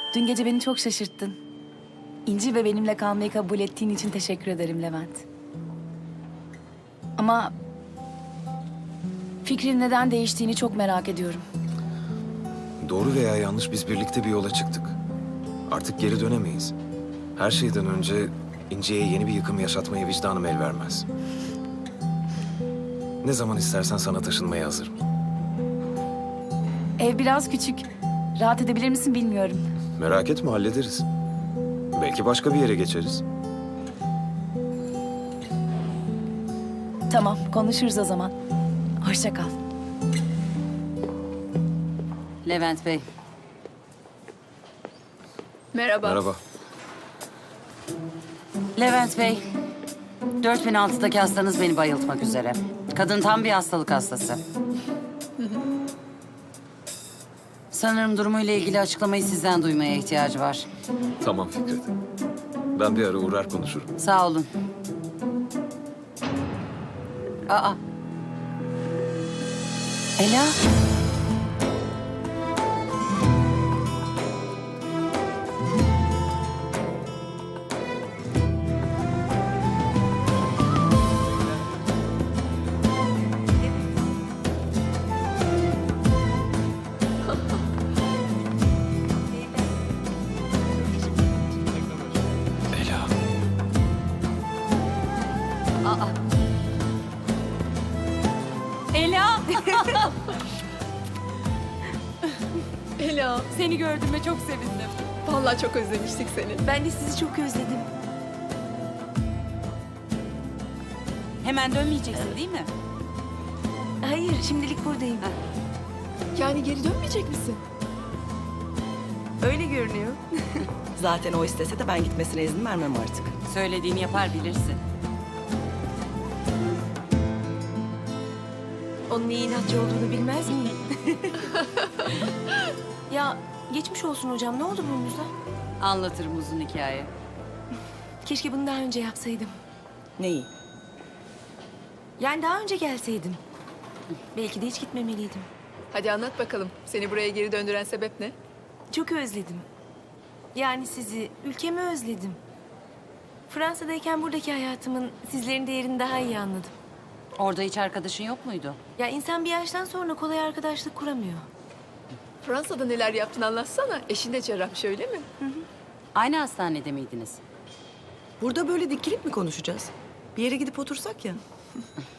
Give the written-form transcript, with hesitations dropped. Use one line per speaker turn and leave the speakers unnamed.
Dün gece beni çok şaşırttın. İnci ve benimle kalmayı kabul ettiğin için teşekkür ederim Levent. Ama fikrin neden değiştiğini çok merak ediyorum.
Doğru veya yanlış biz birlikte bir yola çıktık. Artık geri dönemeyiz. Her şeyden önce İnci'ye yeni bir yıkım yaşatmaya vicdanım el vermez. Ne zaman istersen sana taşınmaya hazırım.
Ev biraz küçük. Rahat edebilir misin bilmiyorum.
Merak etme, hallederiz. Belki başka bir yere geçeriz.
Tamam, konuşuruz o zaman. Hoşça kal.
Levent Bey,
Merhaba.
Merhaba.
Levent Bey. 4006'daki hastanız beni bayıltmak üzere. Kadın tam bir hastalık hastası. Sanırım durumuyla ilgili açıklamayı sizden duymaya ihtiyacı var.
Tamam Fikret. Ben bir ara uğrar konuşurum.
Sağ olun. Aa. Ela.
Ela.
Aa. Ela.
Ela,
Seni gördüğüme çok sevindim.
vallahi çok özlemiştik seni.
Ben de sizi çok özledim.
Hemen dönmeyeceksin değil mi?
Hayır, şimdilik buradayım.
Yani geri dönmeyecek misin?
Öyle görünüyor.
Zaten o istese de ben gitmesine izin vermem artık.
Söylediğini yapar bilirsin.
Onun iyi inatçı olduğunu bilmez miyim? Ya geçmiş olsun hocam. Ne oldu burnunuza?
Anlatırım uzun hikaye.
Keşke bunu daha önce yapsaydım.
Neyi?
Yani daha önce gelseydim. Belki de hiç gitmemeliydim.
Hadi anlat bakalım. Seni buraya geri döndüren sebep ne?
Çok özledim. Yani sizi, ülkemi özledim. Fransa'dayken buradaki hayatımın sizlerin değerini daha iyi anladım.
Orada hiç arkadaşın yok muydu?
Ya insan bir yaştan sonra kolay arkadaşlık kuramıyor.
Fransa'da neler yaptın anlatsana. Eşin de cerrahmış öyle mi?
Aynı hastanede miydiniz?
Burada böyle dikilip mi konuşacağız? Bir yere gidip otursak ya.